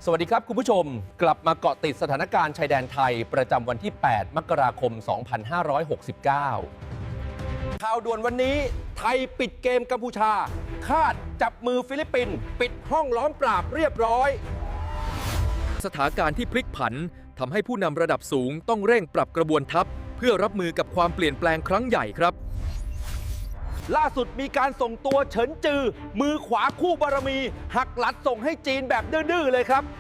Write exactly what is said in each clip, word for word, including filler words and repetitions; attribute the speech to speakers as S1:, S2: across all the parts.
S1: สวัสดีครับคุณผู้ชมกลับมาเกาะติดสถานการณ์ชายแดนไทยประจำวันที่ แปด มกราคม สองพันห้าร้อยหกสิบเก้า ข่าวด่วนวันนี้ไทยปิดเกมกัมพูชาคาดจับมือฟิลิปปินส์ปิดห้องล้อมปราบเรียบร้อยสถานการณ์ที่พลิกผันทำให้ผู้นำระดับสูงต้องเร่งปรับกระบวนทัพเพื่อรับมือกับความเปลี่ยนแปลงครั้งใหญ่ครับล่าสุดมีการส่งตัวเฉินจือมือขวาคู่บารมีหักหลัดส่งให้จีนแบบดื้อๆเลยครับ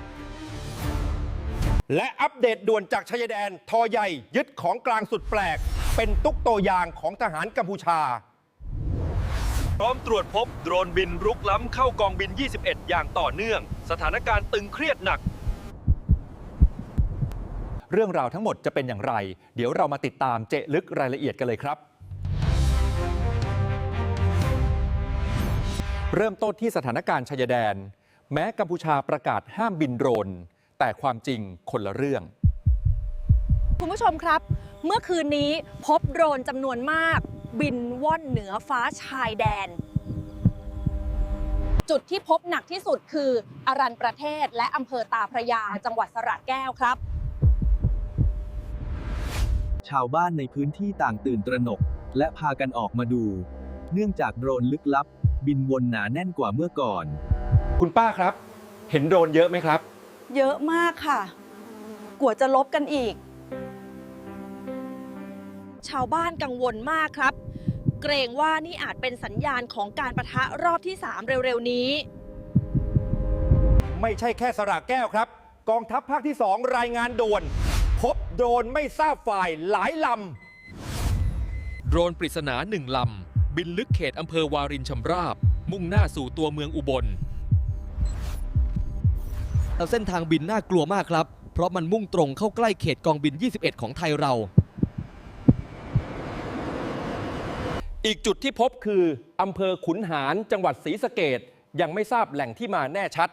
S1: และอัปเดตด่วนจากชายแดนทอใหญ่ยึดของกลางสุดแปลกเป็นตุ๊กโตยางของทหารกัมพูชาพร้อมตรวจพบโดรนบินรุกล้ำเข้ากองบิน ยี่สิบเอ็ด อย่างต่อเนื่องสถานการณ์ตึงเครียดหนักเรื่องราวทั้งหมดจะเป็นอย่างไรเดี๋ยวเรามาติดตามเจาะลึกรายละเอียดกันเลยครับเริ่มต้นที่สถานการณ์ชายแดนแม้กัมพูชาประกาศห้ามบินโดรนแต่ความจริงคนละเรื่อง
S2: คุณผู้ชมครับเมื่อคืนนี้พบโดรนจำนวนมากบินว่อนเหนือฟ้าชายแดนจุดที่พบหนักที่สุดคืออรัญประเทศและอำเภอตาพระยาจังหวัดสระแก้วครับ
S3: ชาวบ้านในพื้นที่ต่างตื่นตระหนกและพากันออกมาดูเนื่องจากโดรนลึกลับบินวนหนาแน่นกว่าเมื่อก่อน
S1: คุณป้าครับเห็นโดรนเยอะไหมครับ
S4: เยอะมากค่ะกว่าจะลบกันอีก
S2: ชาวบ้านกังวลมากครับเกรงว่านี่อาจเป็นสัญญาณของการปะทะรอบที่สามเร็วๆนี้
S1: ไม่ใช่แค่สระแก้วครับกองทัพภาคที่สองรายงานด่วนพบโดรนไม่ทราบฝ่ายหลายลำโดรนปริศนาหนึ่งลำบินลึกเขตอำเภอวารินชำราบมุ่งหน้าสู่ตัวเมืองอุบล
S5: เส้นทางบินน่ากลัวมากครับเพราะมันมุ่งตรงเข้าใกล้เขตกองบิน ยี่สิบเอ็ด ของไทยเรา
S1: อีกจุดที่พบคืออำเภอขุนหารจังหวัดศรีสะเกษยังไม่ทราบแหล่งที่มาแน่ชัด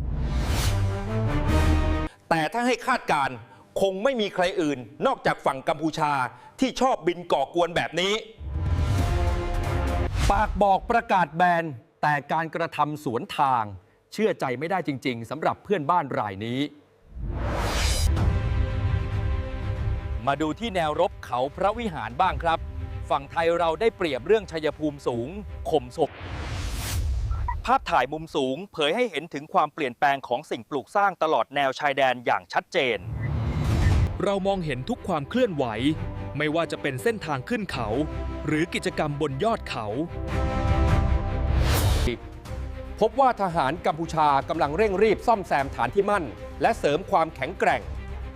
S1: แต่ถ้าให้คาดการณ์คงไม่มีใครอื่นนอกจากฝั่งกัมพูชาที่ชอบบินก่อกวนแบบนี้ปากบอกประกาศแบนแต่การกระทำสวนทางเชื่อใจไม่ได้จริงๆสำหรับเพื่อนบ้านรายนี้มาดูที่แนวรบเขาพระวิหารบ้างครับฝั่งไทยเราได้เปรียบเรื่องชัยภูมิสูงข่มศพภาพถ่ายมุมสูงเผยให้เห็นถึงความเปลี่ยนแปลงของสิ่งปลูกสร้างตลอดแนวชายแดนอย่างชัดเจนเรามองเห็นทุกความเคลื่อนไหวไม่ว่าจะเป็นเส้นทางขึ้นเขาหรือกิจกรรมบนยอดเขาพบว่าทหารกัมพูชากำลังเร่งรีบซ่อมแซมฐานที่มั่นและเสริมความแข็งแกร่ง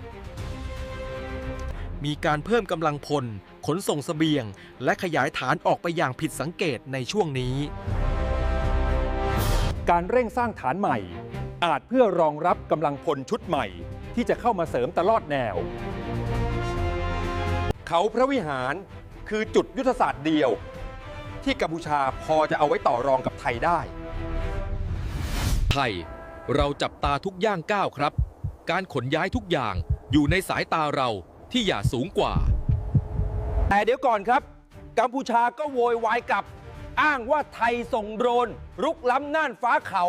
S1: มีการเพิ่มกำลังพลขนส่งเสบียงและขยายฐานออกไปอย่างผิดสังเกตในช่วงนี้การเร่งสร้างฐานใหม่อาจเพื่อรองรับกำลังพลชุดใหม่ที่จะเข้ามาเสริมตลอดแนวเขาพระวิหารคือจุดยุทธศาสตร์เดียวที่กัมพูชาพอจะเอาไว้ต่อรองกับไทยได้ไทยเราจับตาทุกย่างก้าวครับการขนย้ายทุกอย่างอยู่ในสายตาเราที่อย่าสูงกว่าแต่เดี๋ยวก่อนครับกัมพูชาก็โวยวายกลับอ้างว่าไทยส่งโดรนรุกล้ำน่านฟ้าเขา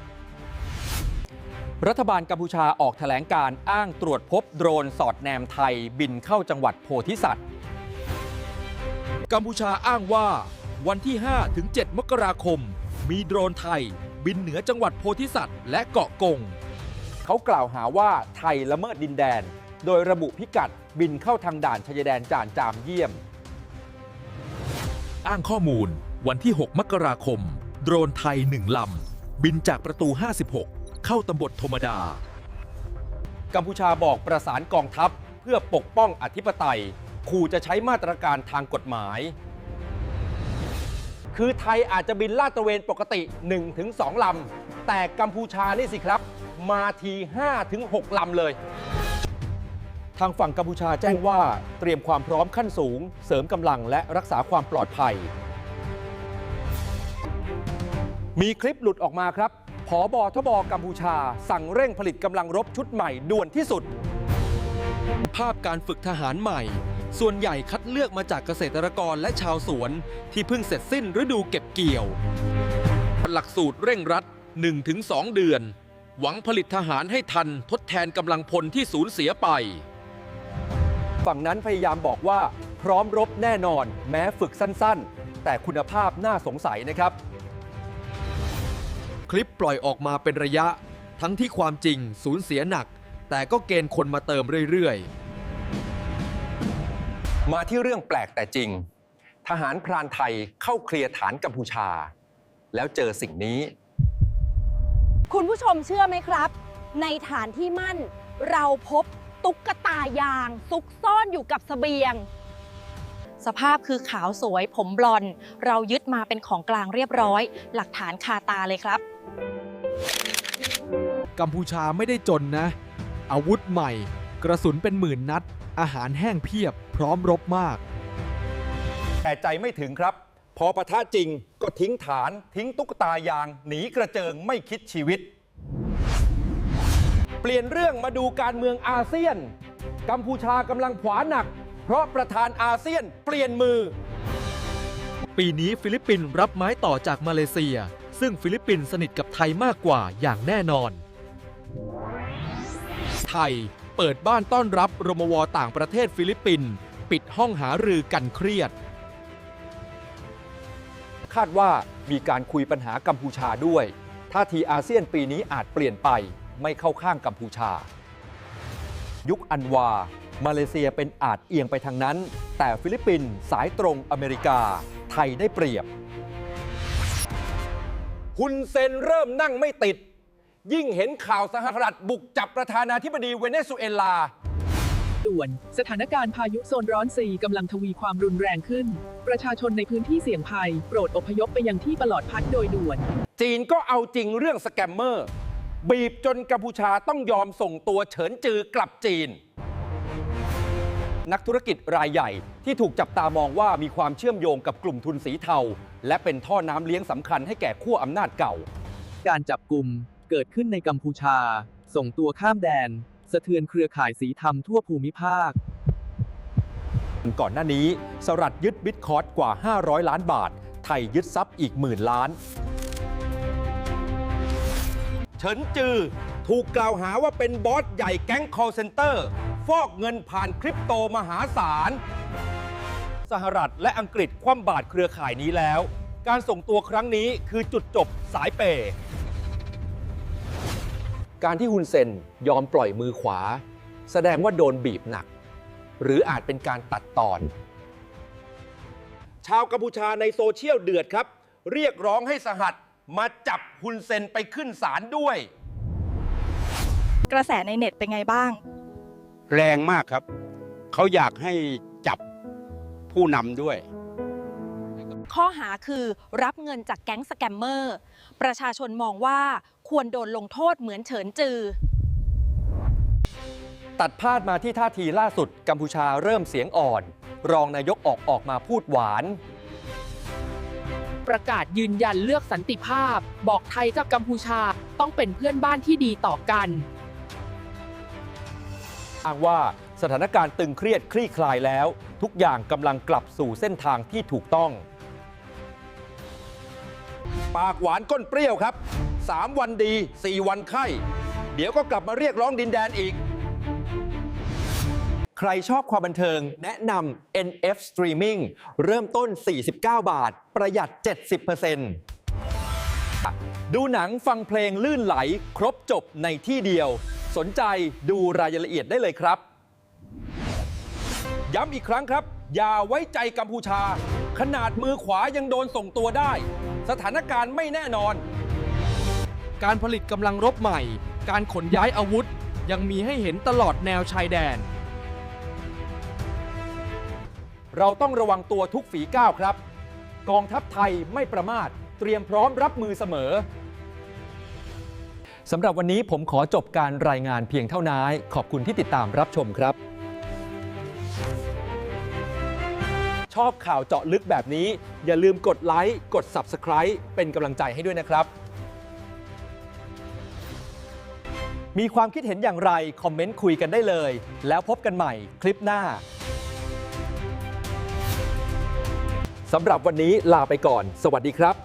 S1: รัฐบาลกัมพูชาออกแถลงการอ้างตรวจพบโดรนสอดแนมไทยบินเข้าจังหวัดโพธิสัตว์กัมพูชาอ้างว่าวันที่ ห้าถึงเจ็ด มกราคมมีโดรนไทยบินเหนือจังหวัดโพธิสัตว์และเกาะกงเขากล่าวหาว่าไทยละเมิดดินแดนโดยระบุพิกัดบินเข้าทางด่านชายแดนจ่านจามเยี่ยมอ้างข้อมูลวันที่ หก มกราคมโดรนไทยหนึ่งลำบินจากประตู ห้าสิบหกเข้าตำบลธมดากัมพูชาบอกประสานกองทัพเพื่อปกป้องอธิปไตยขู่จะใช้มาตรการทางกฎหมายคือไทยอาจจะบินลาดตระเวนปกติ หนึ่งถึงสอง ลำแต่กัมพูชานี่สิครับมาที ห้าถึงหก ลำเลยทางฝั่งกัมพูชาแจ้งว่าเตรียมความพร้อมขั้นสูงเสริมกำลังและรักษาความปลอดภัยมีคลิปหลุดออกมาครับผบ.ทบ.กัมพูชาสั่งเร่งผลิตกำลังรบชุดใหม่ด่วนที่สุดภาพการฝึกทหารใหม่ส่วนใหญ่คัดเลือกมาจากเกษตรกรและชาวสวนที่เพิ่งเสร็จสิ้นฤดูเก็บเกี่ยวหลักสูตรเร่งรัด หนึ่งถึงสอง เดือนหวังผลิตทหารให้ทันทดแทนกำลังพลที่สูญเสียไปฝั่งนั้นพยายามบอกว่าพร้อมรบแน่นอนแม้ฝึกสั้นๆแต่คุณภาพน่าสงสัยนะครับคลิปปล่อยออกมาเป็นระยะทั้งที่ความจริงสูญเสียหนักแต่ก็เกณฑ์คนมาเติมเรื่อยๆมาที่เรื่องแปลกแต่จริงทหารพรานไทยเข้าเคลียร์ฐานกัมพูชาแล้วเจอสิ่งนี้
S2: คุณผู้ชมเชื่อไหมครับ ในฐานที่มั่นเราพบตุ๊กตายางซุกซ่อนอยู่กับเสบียง สภาพคือขาวสวยผมบลอนด์เรายึดมาเป็นของกลางเรียบร้อย หลักฐานคาตาเลยครับ
S6: กัมพูชาไม่ได้จนนะ อาวุธใหม่ กระสุนเป็นหมื่นนัด อาหารแห้งเพียบพร้อมรบมาก
S1: แต่ใจไม่ถึงครับพอปะทะจริงก็ทิ้งฐานทิ้งตุ๊กตายางหนีกระเจิงไม่คิดชีวิต เปลี่ยนเรื่องมาดูการเมืองอาเซียนกัมพูชากำลังขวาหนักเพราะประธานอาเซียนเปลี่ยนมือ
S5: ปีนี้ฟิลิปปินส์รับไม้ต่อจากมาเลเซียซึ่งฟิลิปปินส์สนิทกับไทยมากกว่าอย่างแน่นอน ไทยเปิดบ้านต้อนรับรมวต่างประเทศฟิลิปปินส์ปิดห้องหารือกันเครียดคาดว่ามีการคุยปัญหากัมพูชาด้วยท่าทีอาเซียนปีนี้อาจเปลี่ยนไปไม่เข้าข้างกัมพูชายุคอันวามาเลเซียเป็นอาจเอียงไปทางนั้นแต่ฟิลิปปินส์สายตรงอเมริกาไทยได้เปรียบฮุนเซนเริ่มนั่งไม่ติดยิ่งเห็นข่าวสหรัฐบุกจับประธานาธิบดีเวเนซุเอลา
S7: ด่วนสถานการณ์พายุโซนร้อนซีกำลังทวีความรุนแรงขึ้นประชาชนในพื้นที่เสี่ยงภัยโปรดอพยพไปยังที่ปลอดภัยโดยด่วน
S1: จีนก็เอาจริงเรื่องสแกมเมอร์บีบจนกัมพูชาต้องยอมส่งตัวเฉินจือกลับจีนนักธุรกิจรายใหญ่ที่ถูกจับตามองว่ามีความเชื่อมโยงกับกลุ่มทุนสีเทาและเป็นท่อน้ำเลี้ยงสำคัญให้แก่ขั้วอำนาจเก่า
S3: การจับกลุ่มเกิดขึ้นในกัมพูชาส่งตัวข้ามแดนสะเทือนเครือข่ายสีเทาทั่วภูมิภาค
S1: ก่อนหน้านี้สหรัฐยึดบิตคอยน์กว่าห้าร้อยล้านบาทไทยยึดทรัพย์อีกหมื่นล้านเฉินจือถูกกล่าวหาว่าเป็นบอสใหญ่แก๊ง call center ฟอกเงินผ่านคริปโตมหาศาลสหรัฐและอังกฤษคว่ำบาตรเครือข่ายนี้แล้วการส่งตัวครั้งนี้คือจุดจบสายเปย์การที่ฮุนเซนยอมปล่อยมือขวาแสดงว่าโดนบีบหนักหรืออาจเป็นการตัดตอนชาวกัมพูชาในโซเชียลเดือดครับเรียกร้องให้สหัฐมาจับฮุนเซนไปขึ้นศาลด้วย
S2: กระแสในเน็ตเป็นไงบ้าง
S8: แรงมากครับเขาอยากให้จับผู้นำด้วย
S2: ข้อหาคือรับเงินจากแก๊งสแกมเมอร์ประชาชนมองว่าควรโดนลงโทษเหมือนเฉินจือ
S1: ตัดภาพมาที่ท่าทีล่าสุดกัมพูชาเริ่มเสียงอ่อนรองนายกออกออกมาพูดหวาน
S7: ประกาศยืนยันเลือกสันติภาพบอกไทยกับกัมพูชาต้องเป็นเพื่อนบ้านที่ดีต่อกัน
S1: อ้างว่าสถานการณ์ตึงเครียดคลี่คลายแล้วทุกอย่างกำลังกลับสู่เส้นทางที่ถูกต้องปากหวานก้นเปรี้ยวครับสามวันดีสี่วันไข้เดี๋ยวก็กลับมาเรียกร้องดินแดนอีกใครชอบความบันเทิงแนะนำ เอ็น เอฟ Streaming เริ่มต้นสี่สิบเก้าบาทประหยัด เจ็ดสิบเปอร์เซ็นต์ ดูหนังฟังเพลงลื่นไหลครบจบในที่เดียวสนใจดูรายละเอียดได้เลยครับย้ำอีกครั้งครับอย่าไว้ใจกัมพูชาขนาดมือขวายังโดนส่งตัวได้สถานการณ์ไม่แน่นอน
S5: การผลิตกำลังรบใหม่การขนย้ายอาวุธยังมีให้เห็นตลอดแนวชายแดน
S1: เราต้องระวังตัวทุกฝีก้าวครับกองทัพไทยไม่ประมาทเตรียมพร้อมรับมือเสมอสำหรับวันนี้ผมขอจบการรายงานเพียงเท่านี้ขอบคุณที่ติดตามรับชมครับชอบข่าวเจาะลึกแบบนี้อย่าลืมกดไลค์กด ซับสไครบ์ เป็นกำลังใจให้ด้วยนะครับมีความคิดเห็นอย่างไรคอมเมนต์คุยกันได้เลยแล้วพบกันใหม่คลิปหน้าสำหรับวันนี้ลาไปก่อนสวัสดีครับ